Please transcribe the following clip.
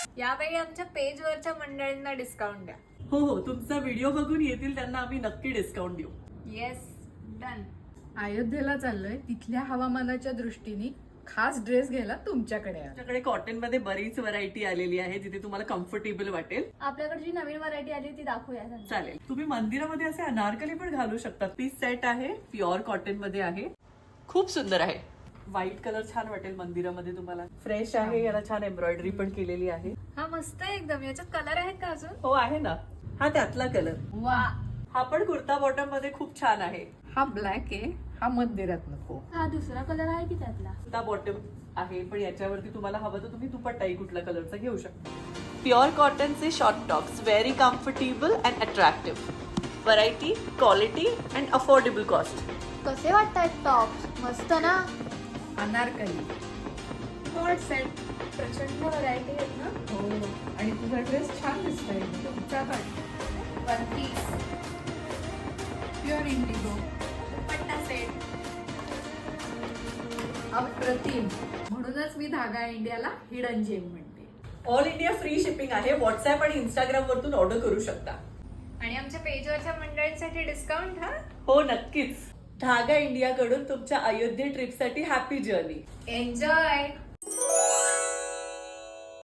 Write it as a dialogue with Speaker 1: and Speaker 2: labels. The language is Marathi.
Speaker 1: यावेळी आमच्या पेजवरच्या मंडळींना डिस्काउंट द्या.
Speaker 2: हो हो, तुमचा व्हिडिओ बघून येतील त्यांना आम्ही नक्की डिस्काउंट देऊ.
Speaker 1: Yes, done.
Speaker 3: अयोध्येला चाललोय, तिथल्या हवामानाच्या दृष्टीने खास ड्रेस घ्यायला तुमच्याकडे आलो.
Speaker 2: आमच्याकडे कॉटन मध्ये बरीच व्हरायटी आलेली आहे जिथे तुम्हाला कम्फर्टेबल वाटेल.
Speaker 1: आपल्याकडे जी नवीन व्हरायटी आली ती दाखवूया त्यांना.
Speaker 2: चालेल. तुम्ही मंदिरामध्ये असे अनारकली पण घालू शकता. पीस सेट आहे, प्युअर कॉटन मध्ये आहे, खूप सुंदर आहे. व्हाईट कलर छान वाटेल मंदिरामध्ये तुम्हाला. फ्रेश आहे, याला छान एम्ब्रॉयडरी पण केलेली आहे.
Speaker 1: हा मस्त आहे एकदम. याच्यात कलर आहेत का अजून?
Speaker 2: हो आहे ना, हा त्यातला कलर.
Speaker 3: वा,
Speaker 2: हा पण कुर्ता बॉटम मध्ये खूप छान आहे.
Speaker 3: हा ब्लॅक आहे, हा मंदिरात नको.
Speaker 1: हा दुसरा कलर आहे की त्यातला?
Speaker 2: कुर्ता बॉटम आहे, पण याच्यावरती तुम्हाला हवं तर तुम्ही दुपट्टाही कुठल्या कलरचा घेऊ शकता. प्युअर कॉटनचे short tops, very comfortable and attractive. Variety, quality and affordable cost.
Speaker 1: कसे वाटतात टॉप? मस्त ना.
Speaker 3: अनारकली.
Speaker 1: कॉट सेट. प्रचंड व्हरायटी आहेत ना.
Speaker 3: हो, आणि तुझा ड्रेस छान दिसतोय. तुमचा
Speaker 1: one piece,
Speaker 3: pure indigo.
Speaker 1: Dupatta set.
Speaker 3: अप्रतिम. म्हणूनच मी धागा इंडियाला हिडन जेम म्हणते.
Speaker 2: ऑल इंडिया फ्री शिपिंग आहे. व्हॉट्सअप आणि इंस्टाग्राम वरतून ऑर्डर करू शकता.
Speaker 1: आणि आमच्या पेजवरच्या मंडळींसाठी डिस्काउंट. हा,
Speaker 2: हो नक्कीच. धागा इंडिया कडून तुमच्या अयोध्ये ट्रिपसाठी हॅपी जर्नी.
Speaker 1: एन्जॉय.